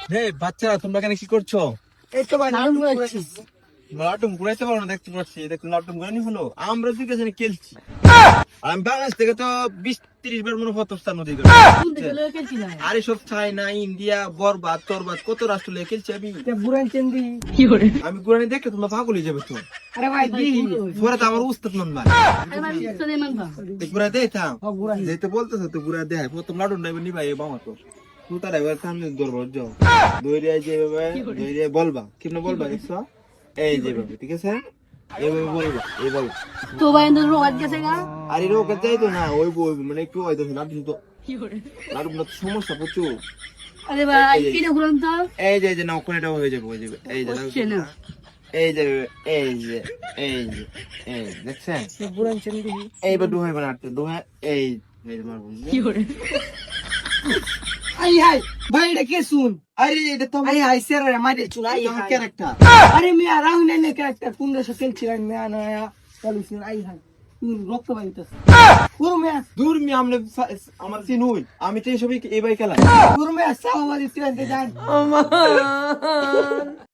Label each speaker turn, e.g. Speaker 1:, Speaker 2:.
Speaker 1: হে বাচ্চারা তোমরা এখানে কি করছো?
Speaker 2: এই তো ভাই
Speaker 3: লালন ঘুরাচ্ছি।
Speaker 1: লাটুম ঘুরাইতে পারো না, দেখতে পাচ্ছি। দেখুন লাটুম ঘুরানি হলো, আমরা দুই কাছে খেলছি। আর আমি বাংলাদেশ থেকে তো 20-30 বার মনে হয় স্থান নদী
Speaker 3: কোন থেকে লয়ে খেলছি না?
Speaker 1: আরে সব চায়না, ইন্ডিয়া, বরবাদ তরবাদ কত রাষ্ট্র লিয়ে খেলছি আমি।
Speaker 2: বুড়ান চেন্দি।
Speaker 3: আরে
Speaker 1: আমি ঘুরানি দেখলে তোমরা পাগল হয়ে যাবে তো।
Speaker 2: আরে ভাই দি
Speaker 1: ঘুরা তো আমার উস্তাদ নন ভাই।
Speaker 3: ভাই উস্তাদ এমন ভাই।
Speaker 1: ঘুরা দেয় থাম
Speaker 2: ও বুড়ান
Speaker 1: যেতে বলতেছো তো ঘুরা দেয়। প্রথম লাটুম ড্রাইভার নি ভাই বাবা তো তুই তার এবার সামনে দরবার যাও দৌড়ে যেভাবে দৌড়ে বলবা কেমনে বলবা দেখছো, এই যেভাবে, ঠিক আছে? এইভাবে বলবা, এই বলবা।
Speaker 3: তো ভাই এন্ড রোগাত গেছে গা।
Speaker 1: আরে রোগা যাই তো না, ওই মানে একটু হয়তো লাটুম তো লাটুম তো সমস্যা প্রচুর।
Speaker 3: আরে ভাই এটা ঘুরান তো।
Speaker 1: এই যে না ওখানে এটাও হয়ে যাবে, হয়ে যাবে। এই যে
Speaker 3: হচ্ছে না।
Speaker 1: এই যে এই যে এই যে এই দেখছেন,
Speaker 2: বুড়ান চেন্দি।
Speaker 1: এইবার ডুহাই বানাতে ডুহাই এই এই মারবো।
Speaker 2: আই হাই ভাই এটা কে শুন।
Speaker 1: আরে এটা তো
Speaker 2: আই হাই সেরা মারে চুল আই
Speaker 1: আমার
Speaker 2: হাই।
Speaker 1: ক্যারেক্টার।
Speaker 2: আরে মিয়া রাহুল নে ক্যারেক্টার কোন দেশে খেলছিলেন মিয়া না চলুন আই হাই রক্ত বাইতেছে পুরো মিয়া
Speaker 1: দূর মি আমনে আমার সিন হই, আমি তো এসবই এই বাই খেলা।
Speaker 2: পুরো মিয়া সাওয়ালি ট্রেন যান